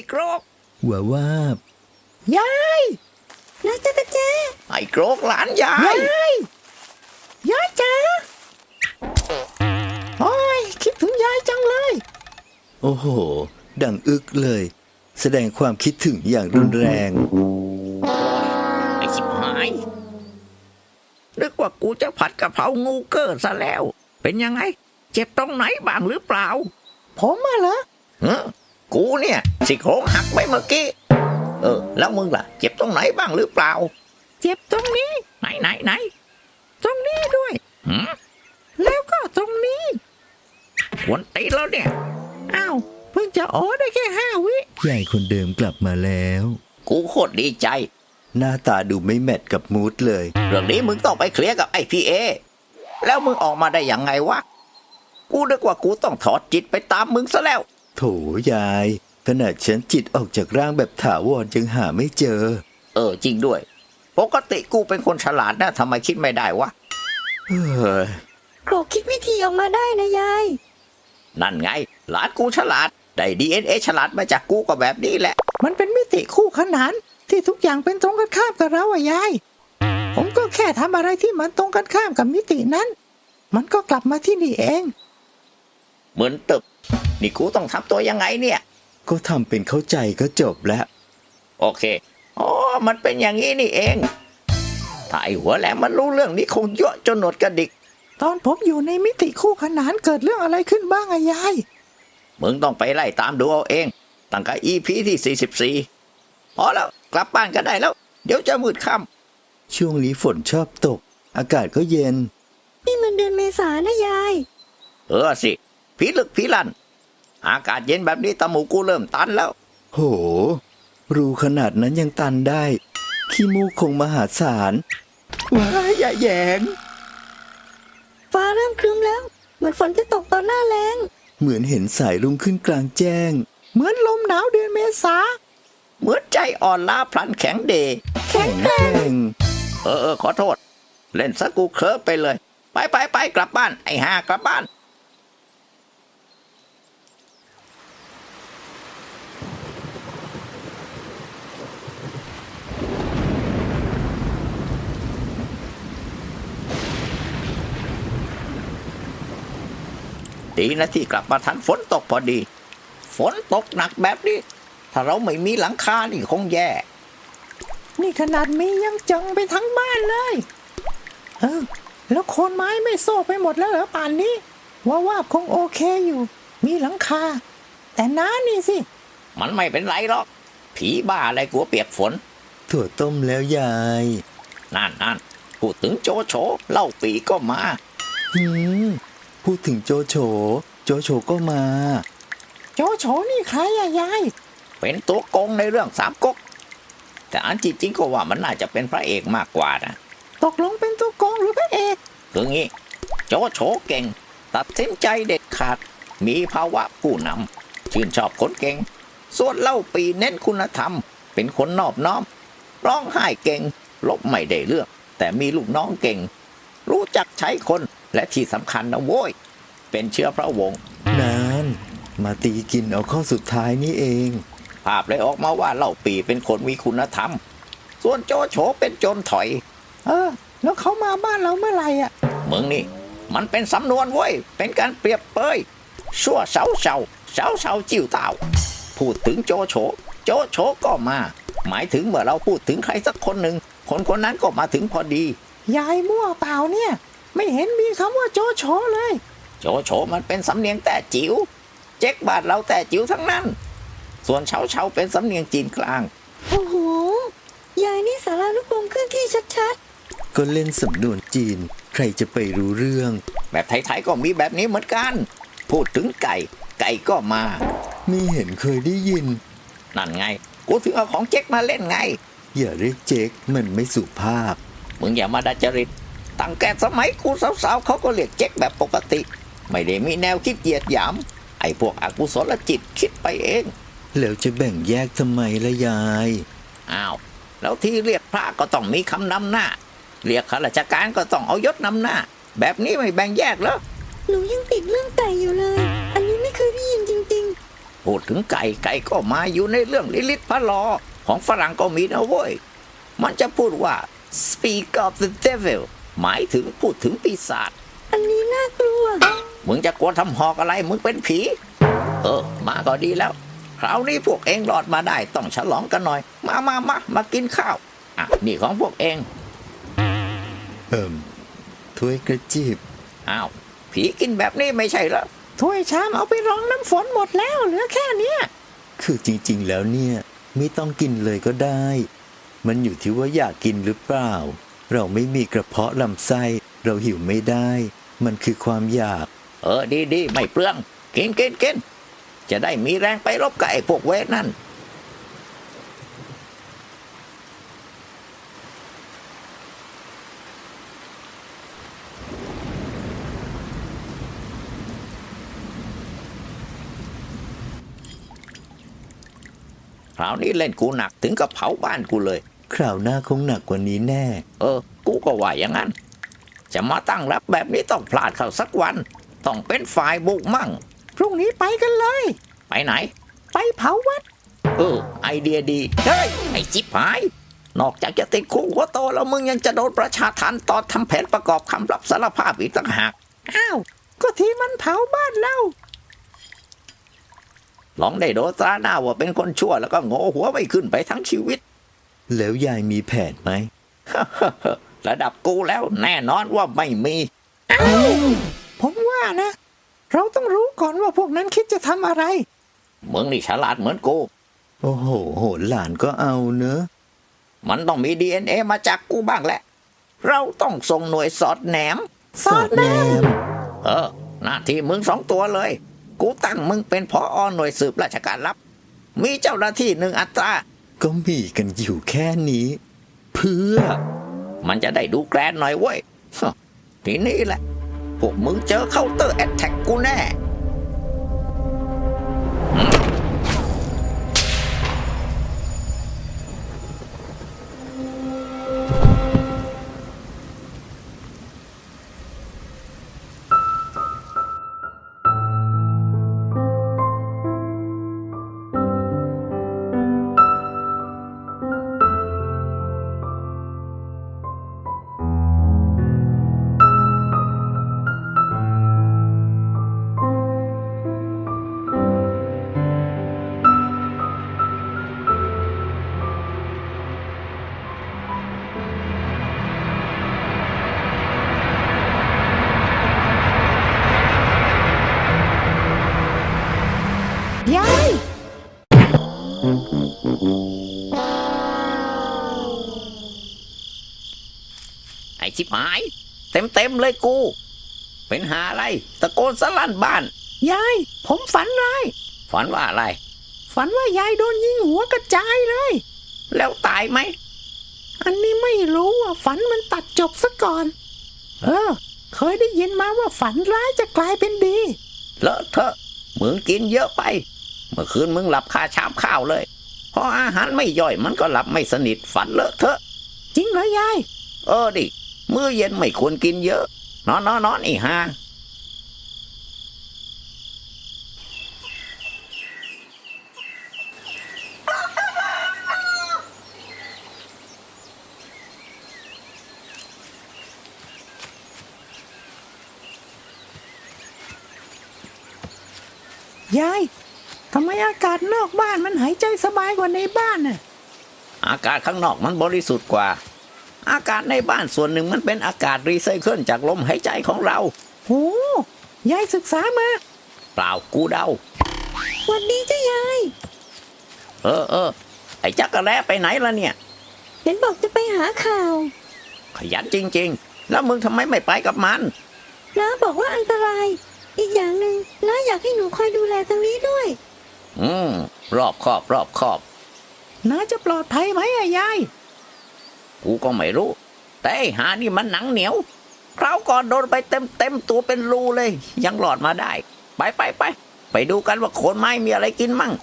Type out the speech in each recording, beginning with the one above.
โกรกว่าว่ายายนะจ๊ะเจ๊ไอ้โกรกหลานยายยายจ๋าโอ้ยคิดถึงยายจังเลยโอ้โหดังอึกเลยแสดงความคิดถึงอย่างรุนแรงไอ้ชิบหายนึกว่ากูจะผัดกะเพรางูเกิดซะแล้ว เป็นยังไงเจ็บตรงไหนบ้างหรือเปล่าผมมาเหรอกูเนี่ยซี่โครงหักไปเมื่อกี้แล้วมึงล่ะเจ็บตรงไหนบ้างหรือเปล่าเจ็บตรงนี้ไหนตรงนี้ด้วยแล้วก็ตรงนี้กวนตีแล้วเนี่ยอ้าวเพิ่งจะอ๋อได้แค่5 วิยายคนเดิมกลับมาแล้วกูโคตรดีใจหน้าตาดูไม่แมทกับมูดเลยเรื่องนี้มึงต้องไปเคลียร์กับไอ้พีเอแล้วมึงออกมาได้ยังไงวะกูนึกว่ากูต้องถอดจิตไปตามมึงซะแล้วโถยายขนาดฉันจิตออกจากร่างแบบถาวรยังหาไม่เจอจริงด้วยปกติกูเป็นคนฉลาดนะทำไมคิดไม่ได้วะโกรกคิดวิธีออกมาได้นะยายนั่นไงหลานกูฉลาดได้ DNA ฉลาดมาจากกูก็แบบนี้แหละมันเป็นมิติคู่ขนานที่ทุกอย่างเป็นตรงกันข้ามกับเรายายผมก็แค่ทำอะไรที่มันตรงกันข้ามกับมิตินั้นมันก็กลับมาที่นี่เองเหมือนตึบนี่กูต้องทำตัวยังไงเนี่ยก็ทำเป็นเข้าใจก็จบแล้วโอเคมันเป็นอย่างนี้นี่เองถ้าไอ้หัวแหลมมันรู้เรื่องนี้คงเยอะจนหนวดกระดิกตอนผมอยู่ในมิติคู่ขนานเกิดเรื่องอะไรขึ้นบ้างยายมึงต้องไปไล่ตามดูเอาเองตั้งแต่ EP ที่44พอแล้วกลับบ้านกันได้แล้วเดี๋ยวจะมืดค่ำช่วงนี้ฝนชอบตกอากาศก็เย็นนี่มันเดือนเมษานะยายสิผีลึกผีลั่นอากาศเย็นแบบนี้ตาหมูกูเริ่มตันแล้วโหรูขนาดนั้นยังตันได้ขี้มูกคงมหาศาลว้ายอย่าแยงฟ้าเริ่มครึ้มแล้วเหมือนฝนจะตกตอนหน้าแล้งเหมือนเห็นสายรุ่งขึ้นกลางแจ้งเหมือนลมหนาวเดือนเมษาเหมือนใจอ่อนล้าพลันแข็งเดแข็งแกร่งขอโทษเล่นซะกูเคลิ้มไปเลยไปกลับบ้านไอ้ห่ากลับบ้านดีนะที่กลับมาทันฝนตกพอดีฝนตกหนักแบบนี้ถ้าเราไม่มีหลังคานี่คงแย่นี่ขนาดมียังจังไปทั้งบ้านเลยแล้วโคนไม้ไม่โซกไปหมดแล้วเหรอป่านนี้ว่าคงโอเคอยู่มีหลังคาแต่น้านี่สิมันไม่เป็นไรหรอกผีบ้าอะไรกลัวเปียกฝนถั่วต้มแล้วยายนั่นพูดถึงโจโฉเล่าปีก็มาพูดถึงโจโฉก็มาโจโฉนี่ใครยายเป็นตัวโกงในเรื่องสามก๊กแต่อันจริงก็ว่ามันน่าจะเป็นพระเอกมากกว่านะตกลงเป็นตัวโกงหรือพระเอกคืองี้โจโฉเก่งตัดสินใจเด็ดขาดมีภาวะผู้นำชื่นชอบคนเก่งส่วนเล่าปีเน้นคุณธรรมเป็นคนนอบน้อมร้องไห้เก่งลบไม่ได้เรื่องแต่มีลูกน้องเก่งรู้จักใช้คนและที่สำคัญนะโว้ยเป็นเชื้อพระวงศ์นานมาตีกินเอาข้อสุดท้ายนี่เองภาพเลยออกมาว่าเล่าปีเป็นคนมีคุณธรรมส่วนโจโฉเป็นโจรถอยแล้วเขามาบ้านเราเมื่อไหร่มึงนี่มันเป็นสำนวนเว้ยเป็นการเปรียบเปยชั่วเสาจิ้วเต่าพูดถึงโจโฉก็มาหมายถึงเมื่อเราพูดถึงใครสักคนหนึ่งคนนั้นก็มาถึงพอดียายมั่วเปล่าเนี่ยไม่เห็นมีคำว่าโจโฉเลยโจโฉมันเป็นสำเนียงแต่จิ๋วเจ๊กบาทเราแต่จิ๋วทั้งนั้นส่วนเฉาเป็นสำเนียงจีนกลางโอ้โหยายนี่สารานุกรมเคลื่อนที่ชัดๆก็เล่นสำนวนจีนใครจะไปรู้เรื่องแบบไทยๆก็มีแบบนี้เหมือนกันพูดถึงไก่ก็มาไม่เห็นเคยได้ยินนั่นไงกูถึงเอาของเจ๊กมาเล่นไงอย่าเรียกเจ๊กมันไม่สุภาพมึงอย่ามาดัดจริตตั้งแต่สมัยกูสาวๆเขาก็เรียกเจ๊กแบบปกติไม่ได้มีแนวคิดเหยียดหยามไอ้พวกอกุศลจิตคิดไปเองแล้วจะแบ่งแยกทำไมล่ะยายแล้วที่เรียกพระก็ต้องมีคำนำหน้าเรียกข้าราชการก็ต้องเอายศนำหน้าแบบนี้ไม่แบ่งแยกเหรอหนูยังติดเรื่องไก่อยู่เลยอันนี้ไม่เคยได้ยินจริงพูดถึงไก่ไก่ก็มาอยู่ในเรื่องลิลิตพระลอของฝรั่งก็มีนะเว้ยมันจะพูดว่า speak of the devil หมายถึงพูดถึงปีศาจอันนี้น่ากลัวมึงจะกลัวทำหอกอะไรมึงเป็นผีมาก็ดีแล้วคราวนี้พวกเองรอดมาได้ต้องฉลองกันหน่อยมากินข้าวอ่ะนี่ของพวกเองถ้วยกระจีบอ้าวผีกินแบบนี้ไม่ใช่เหรอถ้วยชามเอาไปรองน้ำฝนหมดแล้วเหลือแค่เนี้ยคือจริงๆแล้วเนี่ยไม่ต้องกินเลยก็ได้ มันอยู่ที่ว่าอยากกินหรือเปล่า เราไม่มีกระเพาะลำไส้เราหิวไม่ได้ มันคือความอยากดีไม่เปลืองกินจะได้มีแรงไปรบกับไอ้พวกเวทนั่นคราวนี้เล่นกูหนักถึงกับเผาบ้านกูเลยคราวหน้าคงหนักกว่านี้แน่กูก็ว่าอย่างนั้น จะมาตั้งรับแบบนี้ต้องพลาดเข้าสักวัน ต้องเป็นฝ่ายบุกมั่งพรุ่งนี้ไปกันเลยไปไหนไปเผาวัดไอเดียดี เฮ้ย ไอจิบหาย นอกจากจะติดคุกหัวโตแล้วมึงยังจะโดนประชาทันตอนทำแผนประกอบคำรับสารภาพอีกต่างหากอ้าว ก็ที่มันเผาบ้านเราลองได้โดนตราหน้าว่าเป็นคนชั่วแล้วก็โง่หัวไม่ขึ้นไปทั้งชีวิตแล้วยายมีแผนไหมระดับกูแล้วแน่นอนว่าไม่มีผมว่านะ เราต้องรู้ก่อนว่าพวกนั้นคิดจะทำอะไรมึงนี่ฉลาดเหมือนกูโอ้โหโหหลานก็เอาเนอะมันต้องมี DNA มาจากกูบ้างแหละ เราต้องส่งหน่วยสอดแนมสอดแนมหน้าที่มึง2 ตัวเลย กูตั้งมึงเป็นผอหน่วยสืบราชการลับ มีเจ้าหน้าที่1 อัตราก็มีกันอยู่แค่นี้ เพื่อมันจะได้ดูแกรนหน่อยเว้ย ทีนี้แหละ พวกมึงเจอเคาน์เตอร์แอตแทกกูแน่ยายไอ้ชิบหาย เต็มเลยกู เป็นหาอะไรตะโกนสลั่นบ้านยาย ผมฝันร้ายฝันว่าอะไรฝันว่ายายโดนยิงหัวกระจายเลยแล้วตายไหมอันนี้ไม่รู้ว่าฝันมันตัดจบซะก่อน เคยได้ยินมาว่าฝันร้ายจะกลายเป็นดีเลอะเทอะมึงกินเยอะไป เมื่อคืนมึงหลับคาชามข้าวเลยพออาหารไม่ย่อยมันก็หลับไม่สนิทฝันเลอะเทอะจริงเหรอยายดิมื้อเย็นไม่ควรกินเยอะ นอนอีห่ายาย ทำไมอากาศนอกบ้านมันหายใจสบายกว่าในบ้านน่ะอากาศข้างนอกมันบริสุทธิ์กว่า อากาศในบ้านส่วนหนึ่งมันเป็นอากาศรีไซเคิลจากลมหายใจของเราโห ยายศึกษามาเปล่ากูเดาวันนี้จ้ายายไอ้จักรแร้ไปไหนล่ะเนี่ยเห็นบอกจะไปหาข่าวขยันจริงๆ แล้วมึงทำไมไม่ไปกับมันน้าบอกว่าอันตราย อีกอย่างหนึ่งน้าอยากให้หนูคอยดูแลตรงนี้ด้วยรอบคอบน้าจะปลอดภัยไหมอะยายกูก็ไม่รู้ แต่ไอ้หานี่มันหนังเหนียวคราวก่อนโดนไปเต็มตัวเป็นรูเลย ยังหลอดมาได้ ไปดูกันว่าโคนไม้มีอะไรกินมั่ง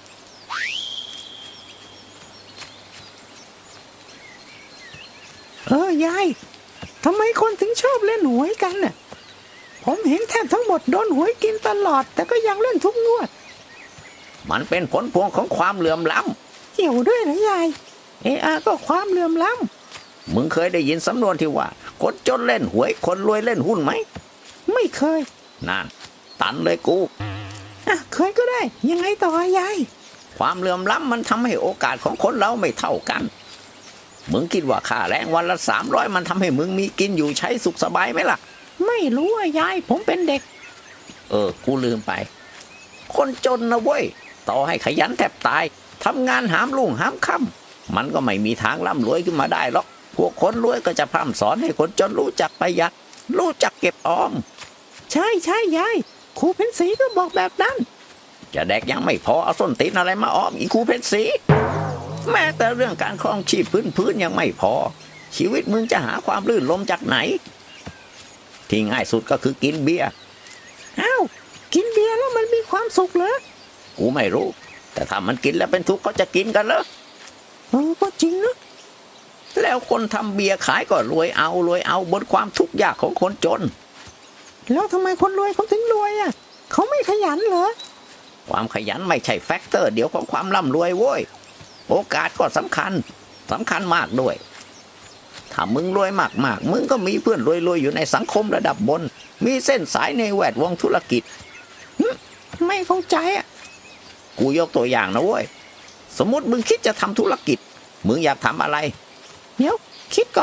ยาย ทำไมคนถึงชอบเล่นหวยกันน่ะ ผมเห็นแทบทั้งหมดโดนหวยกินตลอด แต่ก็ยังเล่นทุกงวดมันเป็นผลพวงของความเหลื่อมล้เกี่ยวด้วยเหรอยายก็ความเหลื่อมล้ำมึงเคยได้ยินสำนวนที่ว่าคนจนเล่นหวยคนรวยเล่นหุ้นไหมำไม่เคยนั่นตันเลยกูเคยก็ได้ ยังไงต่อยายความเหลื่อมล้ำมันทำให้โอกาสของคนเราไม่เท่ากัน มึงคิดว่าค่าแรงวันละ300มันทำให้มึงมีกินอยู่ใช้สุขสบายไหมล่ะไม่รู้ยายผมเป็นเด็กกูลืมไป คนจนนะเว้ย ต่อให้ขยันแทบตายทำงานหามรุ่งหามค่ำมันก็ไม่มีทางร่ำรวยขึ้นมาได้หรอก พวกคนรวยก็จะพร่ำสอนให้คนจนรู้จักประหยัด รู้จักเก็บออมใช่ยายครูเพ็ญศรีก็บอกแบบนั้นจะแดกยังไม่พอเอาส้นตีนอะไรมาออมอีกครูเพชรศรีแม้แต่เรื่องการครองชีพพื้นยังไม่พอ ชีวิตมึงจะหาความลื่นลมจากไหน ที่ง่ายสุดก็คือกินเบียร์กินเบียร์แล้วมันมีความสุขเหรอกูไม่รู้ แต่ถ้ามันกินแล้วเป็นทุกข์เขาจะกินกันเหรอก็จริงนะแล้วคนทำเบียร์ขายก็รวยเอาบนความทุกข์ยากของคนจนแล้วทำไมคนรวยเขาถึงรวยเขาไม่ขยันเหรอความขยันไม่ใช่แฟกเตอร์เดียวของความร่ำรวยโว้ย โอกาสก็สำคัญมากด้วย ถ้ามึงรวยมากมึงก็มีเพื่อนรวยอยู่ในสังคมระดับบน มีเส้นสายในแวดวงธุรกิจไม่เข้าใจกูยกตัวอย่างนะเว้ย สมมติมึงคิดจะทำธุรกิจ มึงอยากทำอะไรเดี๋ยวคิดก่อน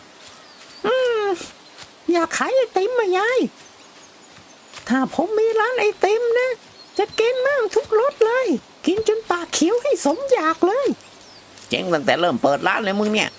อยากขายไอติมยาย ถ้าผมมีร้านไอติมนะ จะกินมั่งทุกรสเลย กินจนปากเขียวให้สมอยากเลยเจ๊งตั้งแต่เริ่มเปิดร้านเลยมึงเนี่ย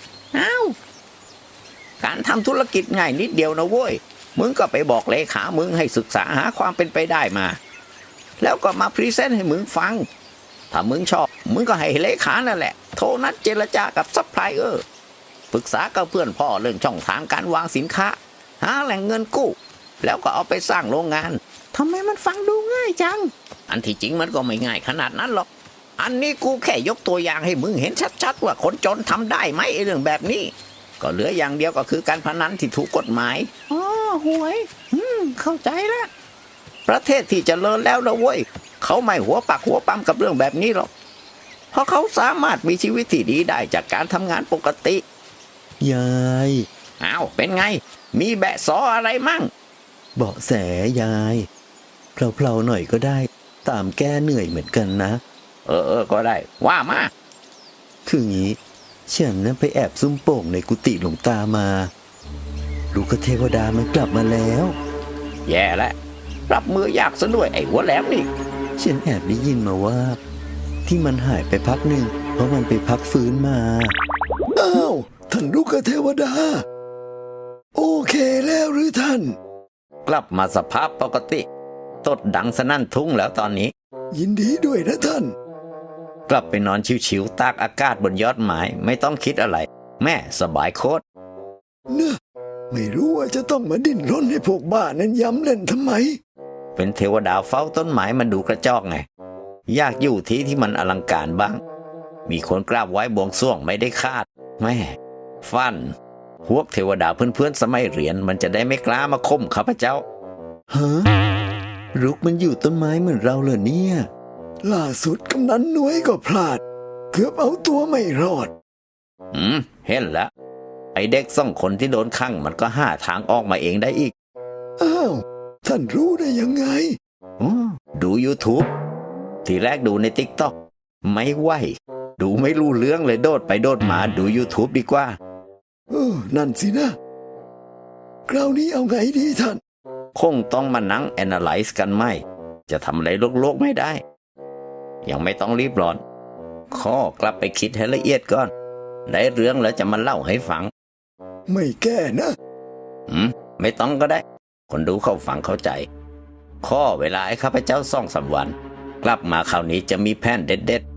การทำธุรกิจง่ายนิดเดียวนะเว้ย มึงก็ไปบอกเลขามึงให้ศึกษาหาความเป็นไปได้มา แล้วก็มาพรีเซนต์ให้มึงฟัง ถ้ามึงชอบมึงก็ให้เลขานั่นแหละโทรนัดเจรจากับซัพพลายเออร์ปรึกษากับเพื่อนพ่อเรื่องช่องทางการวางสินค้า หาแหล่งเงินกู้ แล้วก็เอาไปสร้างโรงงานทำไมมันฟังดูง่ายจังอันที่จริงมันก็ไม่ง่ายขนาดนั้นหรอก อันนี้กูแค่ยกตัวอย่างให้มึงเห็นชัดๆว่าคนจนทำได้ไหมไอ้เรื่องแบบนี้ ก็เหลืออย่างเดียวก็คือการพนันที่ถูกกฎหมายหวย เข้าใจแล้วประเทศที่เจริญแล้วนะเว้ย เขาไม่หัวปักหัวปั๊มกับเรื่องแบบนี้หรอก เพราะเขาสามารถมีชีวิตที่ดีได้จากการทำงานปกติยายเป็นไง มีแบะสออะไรมั่งเบาะแสยายเพลาๆหน่อยก็ได้ ตามแก้เหนื่อยเหมือนกันนะก็ได้ ว่ามาคืองี้ฉันนั้นไปแอบซุ่มโป่งในกุฏิหลวงตามาลูกเทวดามันกลับมาแล้วแย่แล้วรับมือยากซะด้วยไอ้หัวแหลมนี่ฉันแอบได้ยินมาว่า ที่มันหายไปพักหนึ่งเพราะมันไปพักฟื้นมาท่านลูกเทวดาโอเคแล้วหรือท่านกลับมาสภาพปกติ ตดดังสนั่นทุ่งแล้วตอนนี้ยินดีด้วยนะท่านกลับไปนอนชิวๆตากอากาศบนยอดไม้ไม่ต้องคิดอะไร แม่สบายโคตรนะไม่รู้ว่าจะต้องมาดิ้นรนให้พวกบ้านั้นย้ำเล่นทำไมเป็นเทวดาเฝ้าต้นไม้มันดูกระจอกไง อยากอยู่ที่มันอลังการบ้าง มีคนกราบไหว้บวงสรวงไม่ได้คาดแม่ฟันพวกเทวดาเพื่อนๆสมัยเรียนมันจะได้ไม่กล้ามาข่มข้าพเจ้าฮะรุกมันอยู่ต้นไม้เหมือนเราเหรอเนี่ยล่าสุดกำนันน้อยก็พลาดเกือบเอาตัวไม่รอดเห็นแล้วไอเด็ก2 คนที่โดนขังมันก็หาทางออกมาเองได้อีกท่านรู้ได้ยังไงดู YouTube ทีแรกดูใน TikTok ไม่ไหวดูไม่รู้เรื่องเลยโดดไปโดดมาดู YouTube ดีกว่านั่นสินะคราวนี้เอาไงดีท่านคงต้องมานั่ง analyze กันไหมจะทำอะไรโลกๆไม่ได้ ยังไม่ต้องรีบร้อนข้อกลับไปคิดให้ละเอียดก่อนได้เรื่องแล้วจะมาเล่าให้ฟังไม่แก้นะไม่ต้องก็ได้ คนดูเข้าฟังเข้าใจ ข้อเวลาให้ข้าพเจ้า2-3 วัน กลับมาคราวนี้จะมีแผนเด็ด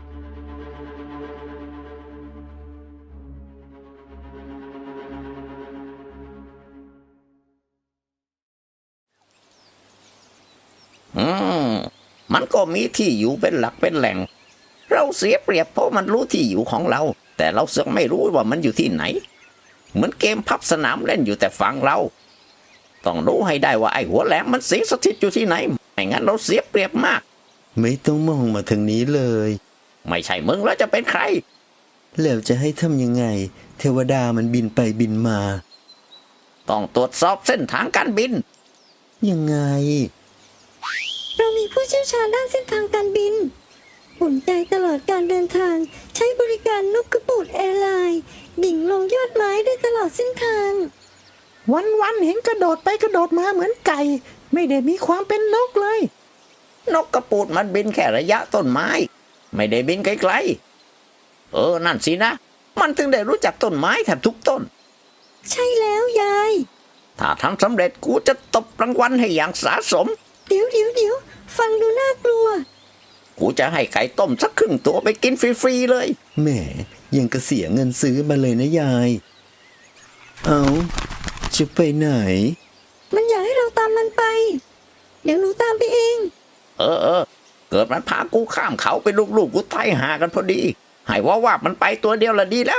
มันก็มีที่อยู่เป็นหลักเป็นแหล่ง เราเสียเปรียบเพราะมันรู้ที่อยู่ของเรา แต่เราเสือกไม่รู้ว่ามันอยู่ที่ไหน เหมือนเกมพับสนามเล่นอยู่แต่ฝั่งเรา ต้องรู้ให้ได้ว่าไอ้หัวแหลมมันสิงสถิตอยู่ที่ไหนไม่งั้นเราเสียเปรียบมากไม่ต้องมองมาทางนี้เลยไม่ใช่มึงแล้วจะเป็นใครแล้วจะให้ทำยังไง เทวดามันบินไปบินมาต้องตรวจสอบเส้นทางการบินยังไงเรามีผู้เชี่ยวชาญด้านเส้นทางการบินอุ่นใจตลอดการเดินทาง ใช้บริการนกกระปูดแอร์ไลน์ดิ่งลงยอดไม้ได้ตลอดเส้นทางวันๆเห็นกระโดดไปกระโดดมาเหมือนไก่ ไม่ได้มีความเป็นนกเลยนกกระปูดมันบินแค่ระยะต้นไม้ ไม่ได้บินไกลๆนั่นสินะ มันถึงได้รู้จักต้นไม้แทบทุกต้นใช่แล้วยายถ้าทำสำเร็จกูจะตบรางวัลให้อย่างสาสมเดี๋ยวฟังดูน่ากลัวกูจะให้ไก่ต้มสักครึ่งตัวไปกินฟรีๆเลยแหมยังกระเสียเงินซื้อมาเลยนะยาย เอาจะไปไหนมันอยากให้เราตามมันไป เดี๋ยวหนูตามไปเองเกิดมันพากูข้ามเขาไปลูกๆกูตายหากันพอดี ให้ว่ามันไปตัวเดียวละดีแล้ว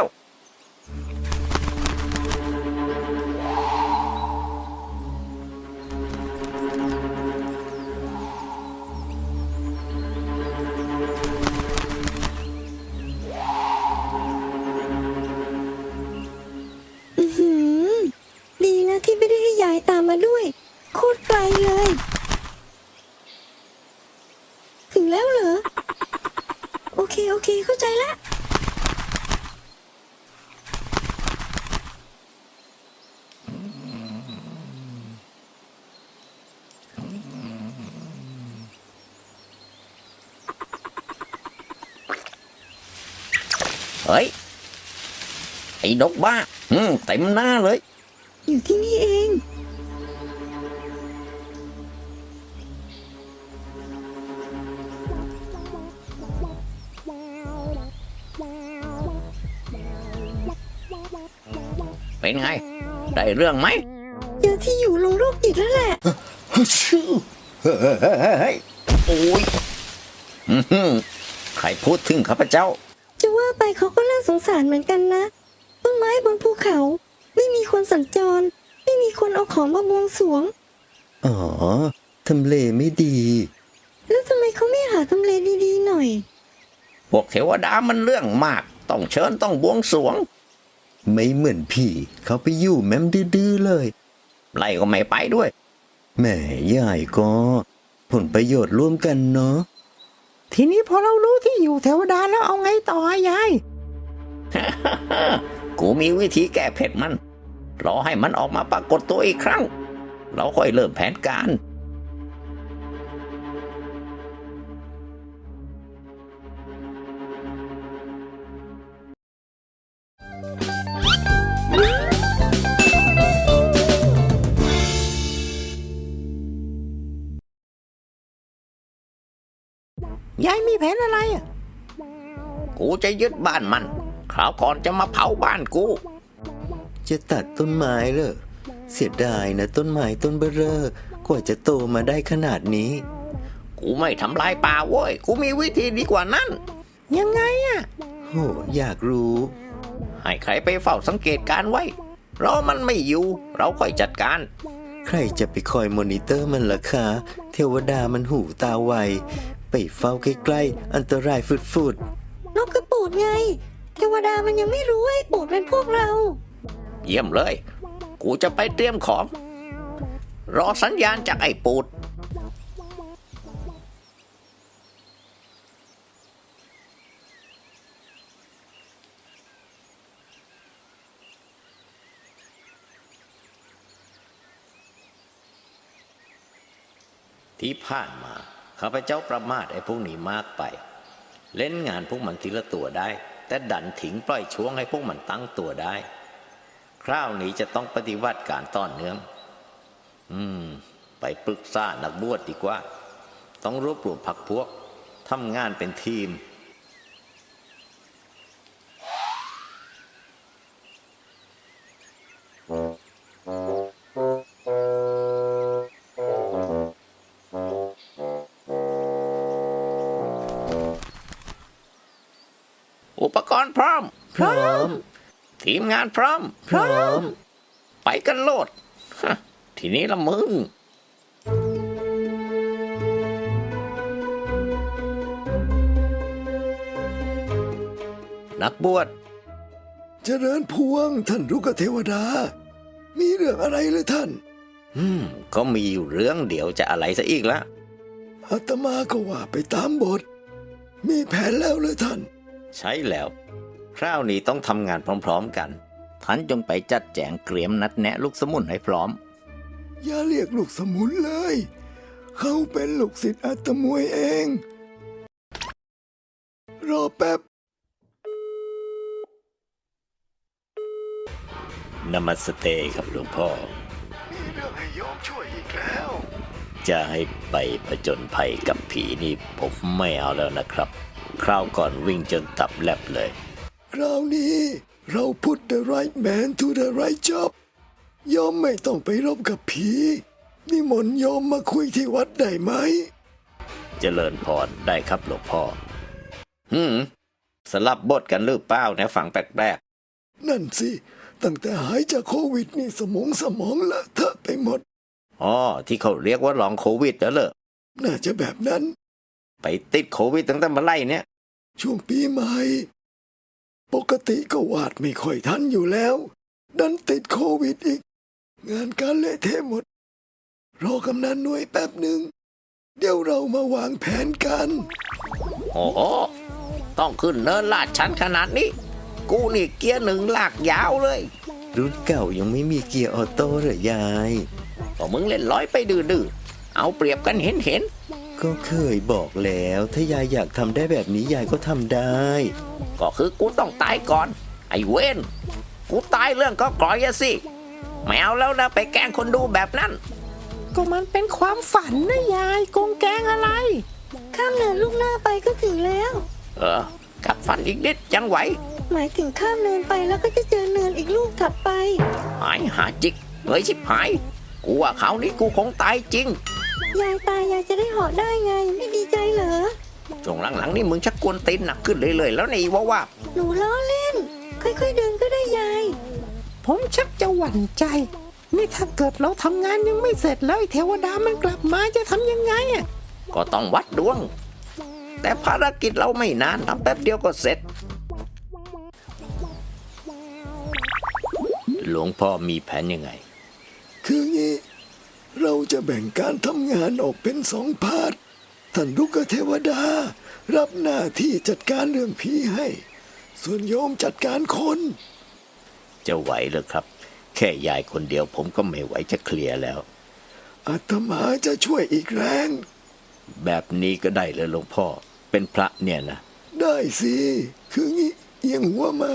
ดีนะที่ไม่ได้ให้ยายตามมาด้วย โคตรไกลเลย ถึงแล้วเหรอ โอเคเข้าใจละเฮ้ย ไอ้นกบ้าเต็มหน้าเลยอยู่ที่นี่เองเป็นไง ได้เรื่องไหมเจอที่อยู่ลงโรคจิตแล้วแหละเฮ้ยโอ้ยใครพูดถึงข้าพเจ้าจะว่าไปเขาก็น่าสงสารเหมือนกันนะ ต้นไม้บนภูเขา ไม่มีคนสัญจร ไม่มีคนเอาของมาบวงสรวงอ๋อ ทำเลไม่ดีแล้วทำไมเขาไม่หาทำเลดีๆหน่อยพวกเทวดามันเรื่องมาก ต้องเชิญต้องบวงสรวงไม่เหมือนพี่ เขาไปอยู่แม่มดื้อๆเลยไล่ก็ไม่ไปด้วยแหมยายก็ ผลประโยชน์ร่วมกันเนาะทีนี้พอเรารู้ที่อยู่เทวดาแล้วเอาไงต่อยายกูมีวิธีแก้เผ็ดมัน รอให้มันออกมาปรากฏตัวอีกครั้ง เราค่อยเริ่มแผนการยายมีแผนอะไรอ่ะกูจะยึดบ้านมัน คราวก่อนจะมาเผาบ้านกูจะตัดต้นไม้เหรอ เสียดายนะต้นไม้ต้นเบ้อเร่อกว่าจะโตมาได้ขนาดนี้กูไม่ทำลายป่าเว้ย กูมีวิธีดีกว่านั้นยังไงอ่ะโห อยากรู้ให้ใครไปเฝ้าสังเกตการไว้ รอมันไม่อยู่ เราค่อยจัดการใครจะไปคอยมอนิเตอร์มันล่ะคะ เทวดามันหูตาไว ไปเฝ้าใกล้ๆ อันตรายฟุดนกกระปูดไง เทวดามันยังไม่รู้ว่าไอ้ปูดเป็นพวกเราเยี่ยมเลย กูจะไปเตรียมของ รอสัญญาณจากไอ้ปูด ที่ผ่านมาข้าพเจ้าประมาทไอ้พวกนี้มากไป เล่นงานพวกมันทีละตัวได้ แต่ดันถิงปล่อยช่วงให้พวกมันตั้งตัวได้ คราวนี้จะต้องปฏิวัติการต่อเนื่อง ไปปรึกษานักบวชดีกว่า ต้องรวบรวมพรรคพวกทำงานเป็นทีม อุปกรณ์พร้อมๆ พร้อมทีมงานพร้อมพร้อมไปกันโลด ทีนี้ละมึงนักบวชเจริญพวงท่านลูกเทวดา มีเรื่องอะไรหรือท่านก็มีอยู่เรื่องเดียวจะอะไรซะอีกละอาตมาก็ว่าไปตามบท มีแผนแล้วหรือท่านใช่แล้ว คราวนี้ต้องทำงานพร้อมๆกัน ท่านจงไปจัดแจงเตรียมนัดแนะลูกสมุนให้พร้อมอย่าเรียกลูกสมุนเลย เขาเป็นลูกศิษย์อาตมวยเอง รอแป๊บนมัสเตครับหลวงพ่อมีเรื่องให้โยมช่วยอีกแล้วจะให้ไปผจญภัยกับผีนี่ผมไม่เอาแล้วนะครับ คราวก่อนวิ่งจนตับแลบเลยคราวนี้เรา put the right man to the right job โยมไม่ต้องไปรบกับผีนิมนต์โยมมาคุยที่วัดได้ไหมเจริญพรได้ครับหลวงพ่อ สลับบทกันหรือเปล่านะฝังแปลกนั่นสิ ตั้งแต่หายจากโควิดนี่สมองเลอะเทอะไปหมดๆอ๋อที่เขาเรียกว่าลองโควิดแล้วเหรอน่าจะแบบนั้นไปติดโควิดตั้งแต่เมื่อไหร่เนี่ยช่วงปีใหม่ ปกติก็วาดไม่ค่อยทันอยู่แล้ว ดันติดโควิดอีก งานการเละเทะหมด รอกำนันหน่วยแป๊บหนึ่ง เดี๋ยวเรามาวางแผนกันโอ้โหต้องขึ้นเนินลาดชันขนาดนี้ กูนี่เกียร์หนึ่งลากยาวเลยรุ่นเก่ายังไม่มีเกียร์ออโต้เหรอยายก็มึงเล่นร้อยไปดื้อๆเอาเปรียบกันเห็นก็เคยบอกแล้ว ถ้ายายอยากทำได้แบบนี้ยายก็ทำได้ๆก็คือกูต้องตายก่อน ไอ้เว้นกูตายเรื่องก็กร่อยอะสิไม่เอาแล้วนะไปแกล้งคนดูแบบนั้นก็มันเป็นความฝันนะยายกงแกงอะไรข้ามเนินลูกหน้าไปก็ถึงแล้วกัดฟันอีกนิดยังไหวหมายถึงข้ามเนินไปแล้วก็จะเจอเนินอีกลูกถัดไปหายหาจิกเฮ้ยชิบหาย กูว่าคราวนี้กูคงตายจริงยายตายยายจะได้เหาะได้ไง ไม่ดีใจเหรอช่วงหลังๆนี่มึงชักกวนตีนหนักขึ้นเรื่อยๆแล้วนี่ว่าหนูล้อเล่น ค่อยๆเดินก็ได้ยายผมชักจะหวั่นใจ นี่ถ้าเกิดเราทำงานยังไม่เสร็จแล้วไอ้เทวดามันกลับมาจะทำยังไงอ่ะก็ต้องวัดดวง แต่ภารกิจเราไม่นานทำแป๊บเดียวก็เสร็จ หลวงพ่อมีแผนยังไงคืองี้ เราจะแบ่งการทำงานออกเป็น2 พาร์ท ท่านลูกเทวดา รับหน้าที่จัดการเรื่องผีให้ ส่วนโยมจัดการคนจะไหวเหรือครับ แค่ยายคนเดียวผมก็ไม่ไหวจะเคลียร์แล้วอาตมาจะช่วยอีกแรงแบบนี้ก็ได้เลยหลวงพ่อเป็นพระเนี่ยนะได้สิ คืองี้เอียงหัวมา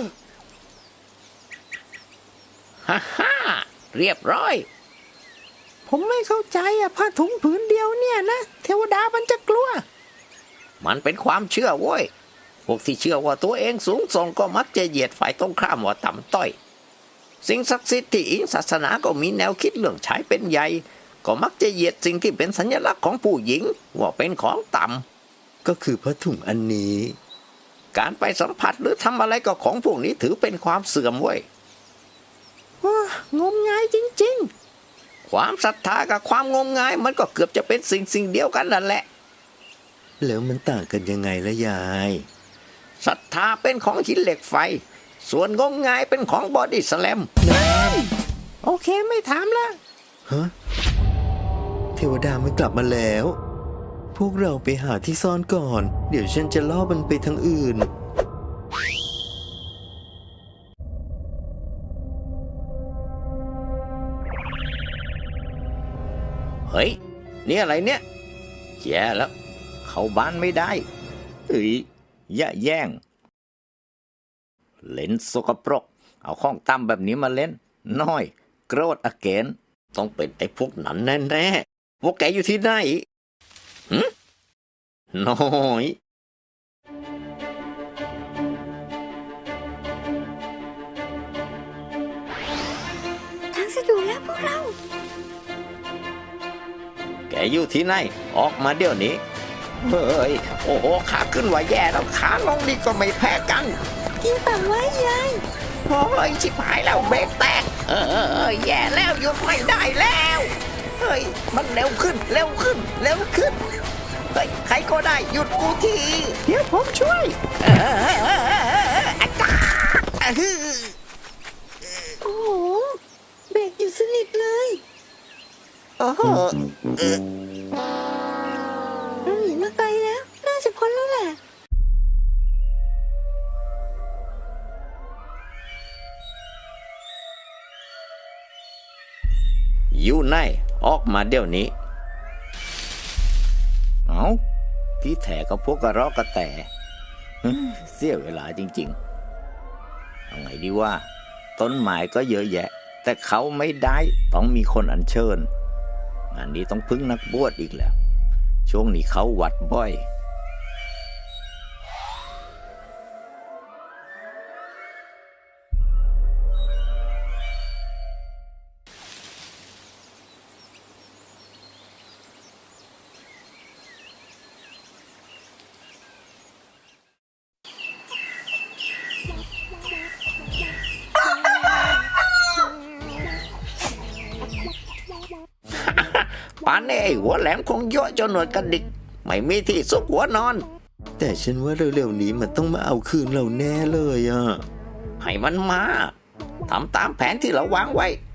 ฮ่าเรียบร้อยผมไม่เข้าใจอ่ะผ้าถุงผืนเดียวเนี่ยนะเทวดามันจะกลัวมันเป็นความเชื่อเว้ย พวกที่เชื่อว่าตัวเองสูงส่งก็มักจะเหยียดฝ่ายตรงข้ามว่าต่ำต้อย สิ่งศักดิ์สิทธิ์ที่อิงศาสนาก็มีแนวคิดเรื่องชายเป็นใหญ่ ก็มักจะเหยียดสิ่งที่เป็นสัญลักษณ์ของผู้หญิงว่าเป็นของต่ำก็คือผ้าถุงอันนี้การไปสัมผัสหรือทำอะไรก็ของพวกนี้ถือเป็นความเสื่อมเว้ยว้า งมงายจริงความศรัทธากับความงมงายมันก็เกือบจะเป็นสิ่งเดียวกันนั่นแหละแล้วมันต่างกันยังไงละยายศรัทธาเป็นของหินเหล็กไฟ ส่วนงมงายเป็นของบอดี้สแลมๆ โอเคไม่ถามละฮะ เทวดามันกลับมาแล้ว พวกเราไปหาที่ซ่อนก่อน เดี๋ยวฉันจะล่อมันไปทางอื่นเฮ้ยนี่อะไรเนี่ยแย่แล้ว เข้าบ้านไม่ได้เฮ้ยอย่าแย่ง เล่นสกปรก เอาข้องตั้มแบบนี้มาเล่น น้อยโกรธอเกนต้องเป็นไอ้พวกนั้นแน่ๆพวกแกอยู่ที่ไหนน้อยทางสะดวกแล้วพวกเราแกอยู่ที่ไหน ออกมาเดี๋ยวนี้ เฮ้ย โอ้โห ขาขึ้นว่าแย่แล้ว ขาลงนี่ก็ไม่แพ้กันกินปากไว้ยายโอ้ย ชิบหายแล้วเบรกแตก แย่แล้วหยุดไม่ได้แล้ว เฮ้ย มันเร็วขึ้น เร็วขึ้น เร็วขึ้น เฮ้ย ใครก็ได้หยุดกูทีเดี๋ยวผมช่วยเออโอ้โห เบรกอยู่สนิทเลยโอ้โหเราหนีมาไกลแล้ว น่าจะพ้นแล้วแหละอยู่ไหนออกมาเดี๋ยวนี้ เอาที่แถก็พวกกระรอกกระแตเสียเวลาจริงๆ เอาไงดีว่า ต้นไม้ก็เยอะแยะ แต่เขาไม่ได้ต้องมีคนอัญเชิญ งานนี้ต้องพึ่งนักบวชอีกแล้ว ช่วงนี้เขาวัดบ่อย ป่านนี้ไอ้หัวแหลมคงเยอะจนหนวดกระดิก ไม่มีที่ซุกหัวนอนแต่ฉันว่าเร็วๆนี้มันต้องมาเอาคืนเราแน่เลยอ่ะให้มันมาทำตามแผนที่เราวางไว้